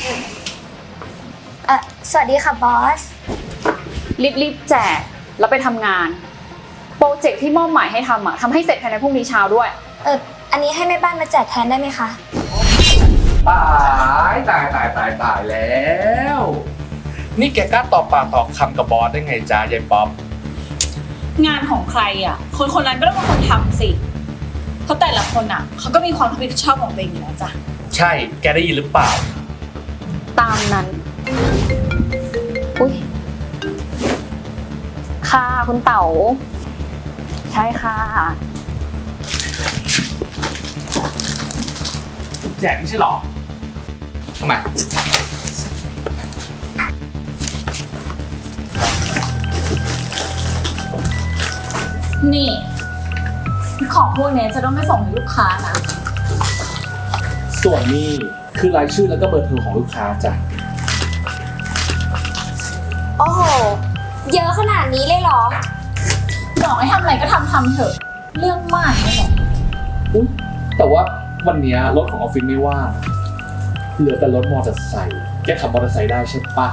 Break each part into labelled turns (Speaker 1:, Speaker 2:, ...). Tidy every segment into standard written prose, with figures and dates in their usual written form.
Speaker 1: สวัสดีค่ะบอส
Speaker 2: รีบแจกแล้วไปทำงานโปรเจกต์ที่มอบหมายให้ทำทำให้เสร็จภายในพรุ่งนี้เช้าด้วย
Speaker 1: อันนี้ให้แม่บ้านมาแจกแทนได้ไหมคะ
Speaker 3: ตายแล้วนี่แกกล้าตอบปากตอบคำกับบอสได้ไงจ๊ะยายป๊อป
Speaker 4: งานของใครคนนั้นก็ต้องเป็นคนทำสิเพราะแต่ละคนเขาก็มีความรับผิดชอบของตัวเองอยู่แล้วจ้ะ
Speaker 3: ใช่แกได้ยินหรือเปล่า
Speaker 2: ตามนั้นอุ้ยค่ะคุณเต๋าใช่ค่ะ
Speaker 3: แจกไม่ใช่หรอทำไม
Speaker 4: นี่ของพวกนี้จะต้องไม่ส่งให้ลูกค้านะ
Speaker 3: ส่วนนี้คือรายชื่อแล้วก็เบอร์โทรของลูกค้าจ้ะ
Speaker 1: โอ้โหเยอะขนาดนี้เลยเหรอ
Speaker 4: บอกให้ทำอะไรก็ทำเถอะเรื่องมากนี่แหละ
Speaker 3: อุ๊ยแต่ว่าวันนี้รถของออฟฟิศไม่ว่างเหลือแต่รถมอเตอร์ไซค์แกขับมอเตอร์ไซค์ได้ใช่ปะ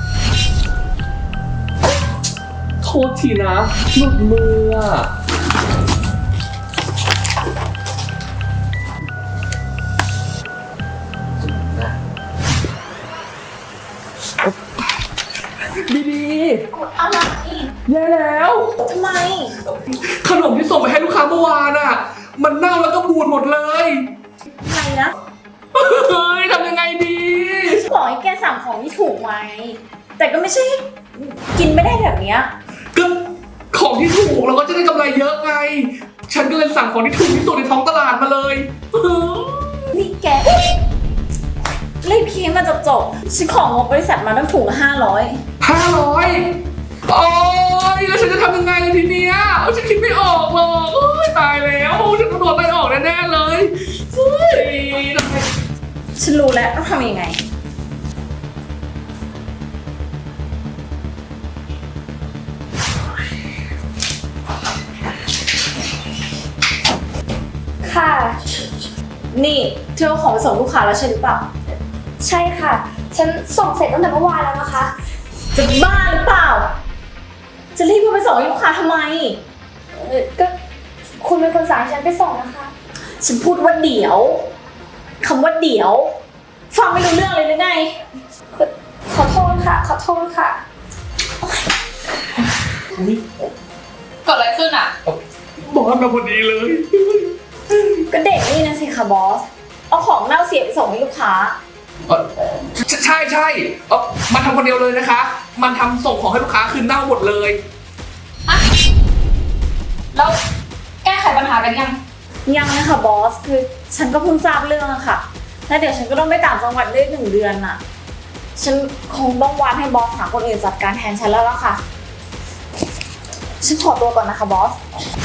Speaker 3: โทษทีนะหลุดมือดี
Speaker 4: อะไร
Speaker 3: แย่แล้ว
Speaker 4: ทำไม
Speaker 3: ขนมที่ส่งไปให้ลูกค้าเมื่อวานมันเน่าแล้วก็บูดหมดเลย
Speaker 4: ไงนะ
Speaker 3: เฮ้ยทำยังไงดี
Speaker 4: บอกให้แกสั่งของที่ถูกไว้แต่ก็ไม่ใช่กินไม่ได้แบบนี้
Speaker 3: ก็ของที่ถูกเราก็จะได้กำไรเยอะไงฉันก็เลยสั่งของที่ถูกที่สุดในท้องตลาดมาเลย
Speaker 4: นี่แกรีบคิดมาจบฉันของงบบริษัทมาตั้งถุงละ500
Speaker 3: โอ้ยแล้วฉันจะทำยังไงเลยทีเนี้ยฉันคิดไม่ออกหรอกตายแล้วฉันต้องโดนไล่ออกแน่ๆเลย
Speaker 4: ฉันรู้แล้วต้องทำยังไง
Speaker 1: ค่ะ
Speaker 4: นี่เธอเอาของไปส่งลูกค้าแล้วใช่หรือเปล่า
Speaker 1: ใช่ค่ะฉันส่งเสร็จตั้งแต่เมื่อวานแล้วนะคะ
Speaker 4: จะบ้าหรือเปล่าจะรีบไปส่งให้ลูกค้าทำไม
Speaker 1: ก็คุณเป็นคนสั่งฉันไปส่งนะคะ
Speaker 4: ฉันพูดว่าเดี๋ยวคำว่าเดี๋ยวฟังไม่รู้เรื่องเลยหรือไง
Speaker 1: ขอโทษค่ะ
Speaker 2: เกิดอะไรขึ้น
Speaker 3: บอสมาพอดีเลย
Speaker 4: ก็เด็กนี่นะสิค่ะบอสเอาของเน่าเสียไปส่งให้ลูกค้า
Speaker 3: ใช่มันทำคนเดียวเลยนะคะมันทำส่งของให้ลูกค้าคือเน่าหมดเลย
Speaker 2: แล้วแก้ไขปัญหากัน
Speaker 4: ยังนะคะบอสคือฉันก็เพิ่งทราบเรื่องอะค่ะแล้วเดี๋ยวฉันก็ต้องไปต่างจังหวัดได้1 เดือนน่ะฉันคงต้องวานให้บอสหาคนอื่นจัดการแทนฉันแล้วล่ะค่ะฉันขอตัวก่อนนะคะบอส